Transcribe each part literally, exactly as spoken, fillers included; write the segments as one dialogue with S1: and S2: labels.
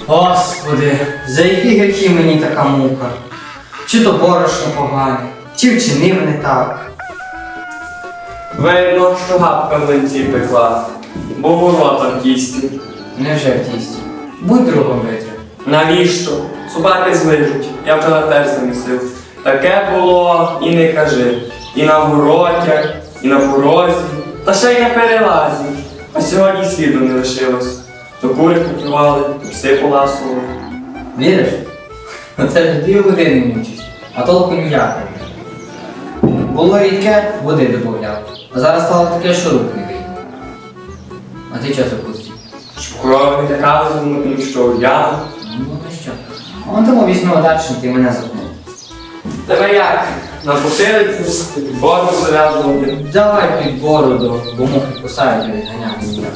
S1: Господи, за які гріхи мені така мука? Чи то борошно погане, чи вчинив не так?
S2: Видно, що гапка в млинці пекла, бо було там тісті.
S1: Невже в тісті? Будь другом витри.
S2: Навіщо? Собаки злижуть, я вчора теж замісив. Таке було і не кажи. І на городях, і на порозі, та ще й на перелазі. А сьогодні сліду не лишилось. То кури поклювали, то пси поласували.
S1: Віриш? Оце ж дві години мучиш, а толку ніякого. Було рідке, води додавав, а зараз стало таке, що рук не вийде. А ти чого запустив?
S2: Щоб корови не лякали, думати, що я.
S1: Ну, то що? А он тому візьму удачно, ти мене запнув.
S2: Тебе як? На потилицю, під бороду зав'язувати.
S1: Давай під бороду, бо мухи кусають і відганяти ніяк.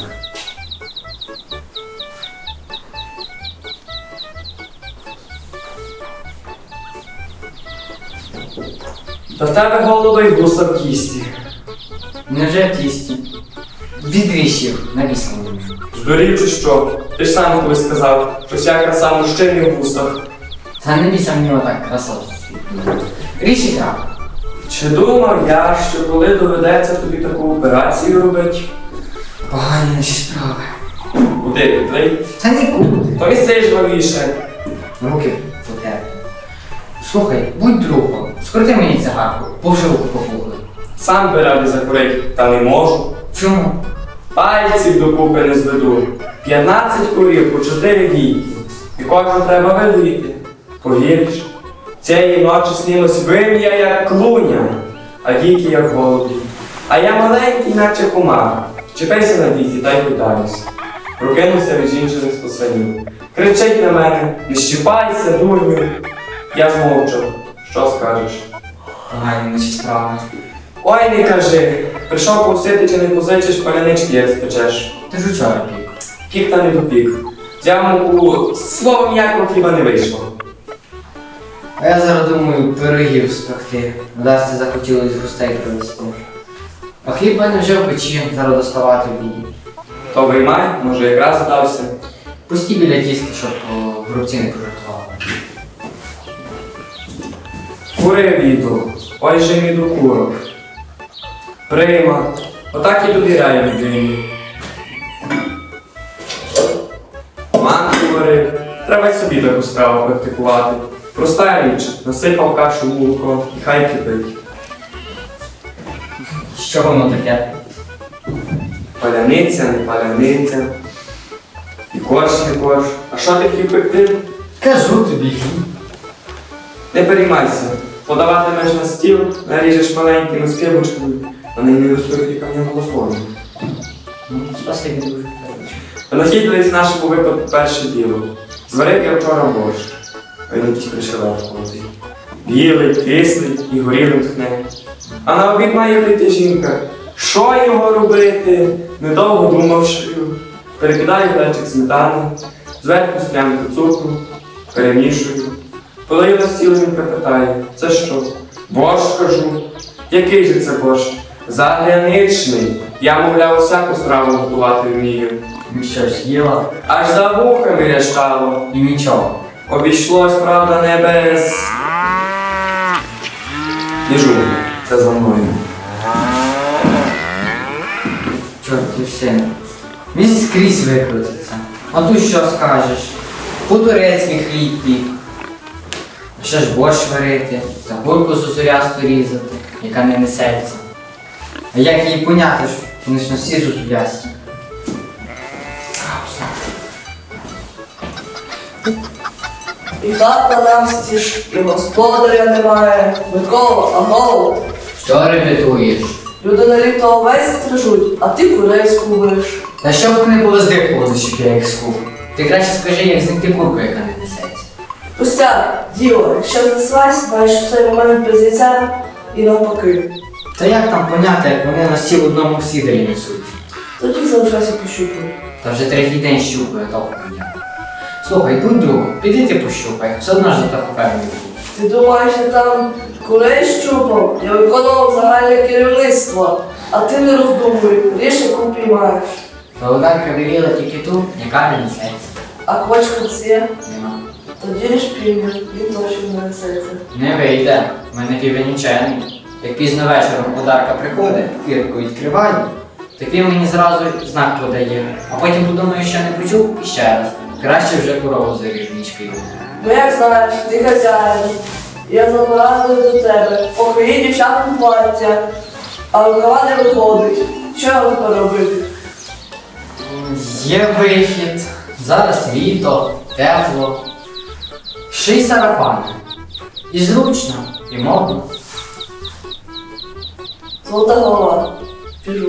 S2: Та в тебе голуби й гуса в кісті.
S1: Невже в тісті? Відвіщив, навісно.
S2: Здурів чи що? Ти ж сам колись сказав, що вся краса мужчини в гусах.
S1: Та не бійся мені отак красота. Річ і так.
S2: Чи думав я, що коли доведеться тобі таку операцію робити?
S1: Погані наші справи.
S2: Куди підлий?
S1: Та нікуди.
S2: То із цей жвавіше.
S1: Руки у тебе. Слухай, будь другом, скрути мені цигарку, бо вже руку попухли.
S2: Сам би ради закурить, та не можу.
S1: Чому?
S2: Пальців докупи не зведу. П'ятнадцять курів по чотири гійки. І кожну треба вилити. Повіриш? Цієї ночі снилось вим'я, як клуня, а гійки, як голубі. А я маленький, наче комар. Чіпайся на дійці та й питаюсь. Прокинувся від жінчини з посанів. Кричить на мене: не щіпайся, дурню. Я змовчав. Що скажеш?
S1: Погані наші справи.
S2: Ой, не кажи. Прийшов повсити, чи не позичиш, палянички як спечеш.
S1: Ти ж учора пік.
S2: Пік та не допік. Взяв муку, словом ніякого хліба не вийшло.
S1: А я зараз думаю пирогів спекти. Вдасться захотілось гостей привезти. А хліб в мене вже в печі, зараз доставати буду.
S2: То виймай, може якраз здався.
S1: Пусті біля тіста, щоб о, грубці не пожартували.
S2: Кури віду, ой же мій до курок. Прима, отак і довіряю людині. Манку варив, треба й собі таку страву практикувати. Проста річ, насипав кашу в молоко і хай кипить.
S1: Що воно таке?
S2: Паляниця, не паляниця. І корж, не корж. А що ти хотів пекти?
S1: Кажу тобі хліб.
S2: Не переймайся. Подаватимеш на стіл, наріжеш маленькими скибочками, вони не ростуть і кам'я голословні.
S1: Ну, спасибі дуже.
S2: Винахідливість нашому випадку перше діло. Зварив я вчора борщ, а він якийсь пришелепкуватий. Білий, кислий і горілим тхне. А на обід має прийти жінка. Що його робити? Недовго думавши, перекидаю глечик сметани, зверху склянку цукру, перемішую. Подаю на стіл, жінка питає: це що? Борщ, кажу. Який же це борщ? Заграничний. Я, мовляв, усяку страву готувати вмію.
S1: Ну що ж, їла?
S2: Аж за вухами рящало.
S1: І нічого.
S2: Обійшлось, правда, не без... Біжу, це за мною.
S1: Чорт, син. Він скрізь викрутиться. А тут що скажеш? По-турецький хліб пік. Ще ж борщ варити, загурку зозулясту різати, яка не несеться. А як її поняти ж? Вони ж на всі зозулясті.
S3: І хата навстіж, і господаря немає. Микола, а голод.
S1: Що репетуєш?
S3: Люди на літо овець стрижуть, а ти курей скубиш.
S1: Та щоб вони було здихували, щоб я їх скуп. Ти краще скажи, як знайти курку, яка не несеться.
S3: Пустяк, діло, якщо знеслась, маєш у цей момент без яйця і навпаки.
S1: Та як там поняти, як вони на всі в одному сідері несуть?
S3: Тоді залишайся пощупати.
S1: Та вже третій день щупаю, толку ніяк. Слухай, будь другом, піди ти пощупай, все одно ж за так впевнений був.
S3: Ти думаєш, я там курей щупав? Я виконував загальне керівництво, а ти не роздумуй, ріж, яку піймаєш.
S1: Володарка веліла тільки ту, яка не несеться.
S3: А квачка є?
S1: Нема.
S3: Тоді ж півня, він точно не несеться.
S1: Не вийде, в мене півень учений. Як пізно вечором подарка приходить, квітку відкриваю, так він мені зразу знак подає, а потім подумаю, що не почув і ще раз. Краще вже корову заріжу, ніж піду.
S3: Ну як знаєш, ти хазяїн. Я забираю до тебе, поки є дівчатам плаття, а рукава не виходить. Що я тепер робити?
S1: Є вихід. Зараз літо, тепло. Ший сарафан. І зручно, і модно.
S3: Золота голова. Біжу.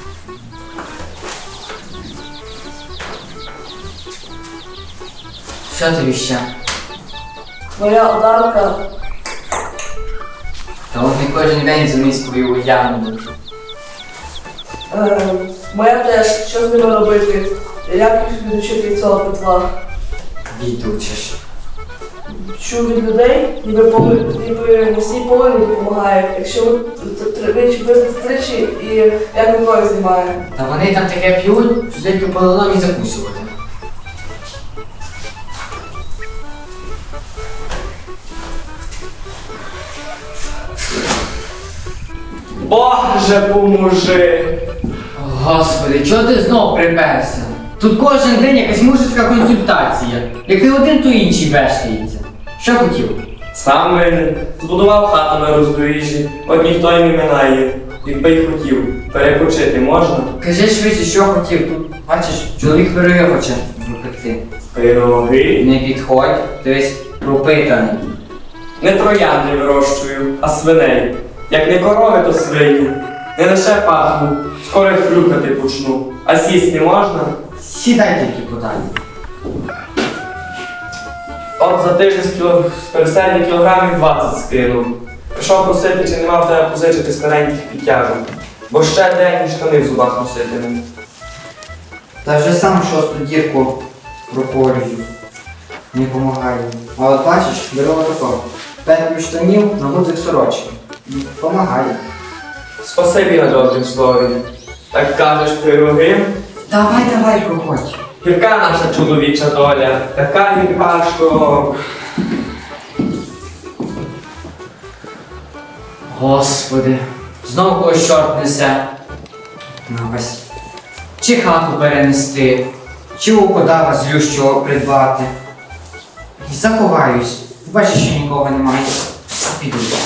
S1: Що тобі ще?
S3: Моя одарка.
S1: Та от не кожен день за міською уявну.
S3: Е, моя теж, що з ними робити? Як їх відучити від цього петла?
S1: Відучиш.
S3: Чую від людей, ніби, пови- ніби не всі повинні допомагають. Якщо ви тричі, ви тричі і як рукою знімає.
S1: Та вони там таке п'ють, що тільки по лоломі закусувати.
S2: Боже, поможи!
S1: Господи, чого ти знов приперся? Тут кожен день якась мужицька консультація. Як ти один, то інший вештається. Що хотів?
S2: Сам винен. Збудував хату на роздоріжжі, от ніхто й не минає. Якби й хотів, перепочити можна?
S1: Кажи швидше, що хотів. Тут, бачиш, чоловік пироги хоче випекти.
S2: Пироги.
S1: Не підходь, ти весь пропитаний.
S2: Не троянди вирощую, а свиней. Як не корови, то свині. Не лише пахну, скоро й хрюкати почну. А сісти можна?
S1: Сідай тільки подай.
S2: От за тиждень з кіло... з переселення кілограмів двадцять скинув. Пішов просити, чи нема в тебе позичити стареньких підтяжок. Бо ще день і штани в зубах носитиму.
S1: Та вже сам шосту дірку проколюю. Не помагає. А от бачиш, беру отако. Петлю штанів на гудзик сорочки. Помагає.
S2: Спасибі на добрім слові. Так кажеш пироги.
S1: Давай, давай, проходь.
S2: Гірка наша чоловіча доля, така гірка, що...
S1: Господи, знову когось чорт несе. На ось. Чи хату перенести, чи у кодава злющого придбати. І заховаюсь. Бачиш, що нікого немає. Піду.